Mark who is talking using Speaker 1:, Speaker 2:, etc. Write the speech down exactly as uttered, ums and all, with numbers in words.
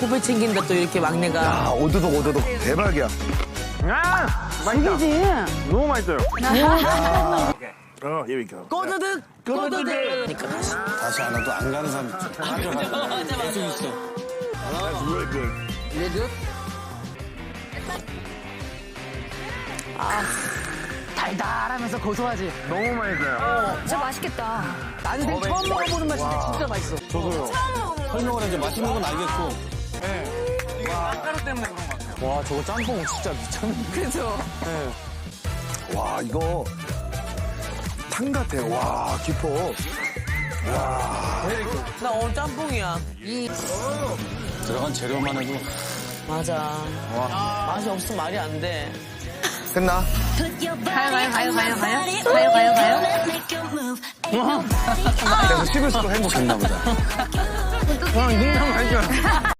Speaker 1: 후배 챙긴다 또 이렇게 막내가.
Speaker 2: 아, 오도독, 오도독. 대박이야.
Speaker 3: 아, 맛있다. 너무 맛있어요. 어, here we go.
Speaker 1: 꼬드득 꼬드득. 그러니까 다시.
Speaker 4: 다시 안 와도 안 가는 사람 계속 있어.
Speaker 3: That's really good.
Speaker 1: 레드. 아 달달하면서 고소하지.
Speaker 3: 너무 맛있어요.
Speaker 5: 진짜 맛있겠다.
Speaker 1: 나는 되게 처음 먹어보는 맛인데 진짜 맛있어.
Speaker 4: 저도요. 설명을 해줘. 맛있는 건 알겠고. 와, 저거 짬뽕 진짜 미쳤네.
Speaker 1: 그래서
Speaker 2: 와, 이거 탕 같아. 와, 깊어.
Speaker 1: 나 오늘 짬뽕이야. 이
Speaker 4: 들어간 재료만 해도.
Speaker 1: 맞아. 맛이 없으면 말이 안 돼.
Speaker 2: 끝나?
Speaker 5: 가요, 가요, 가요, 가요, 가요. 가요, 가요, 가요.
Speaker 2: 그래서 씹을수록 행복했나 보다.
Speaker 3: 와, 이거 맛있어요.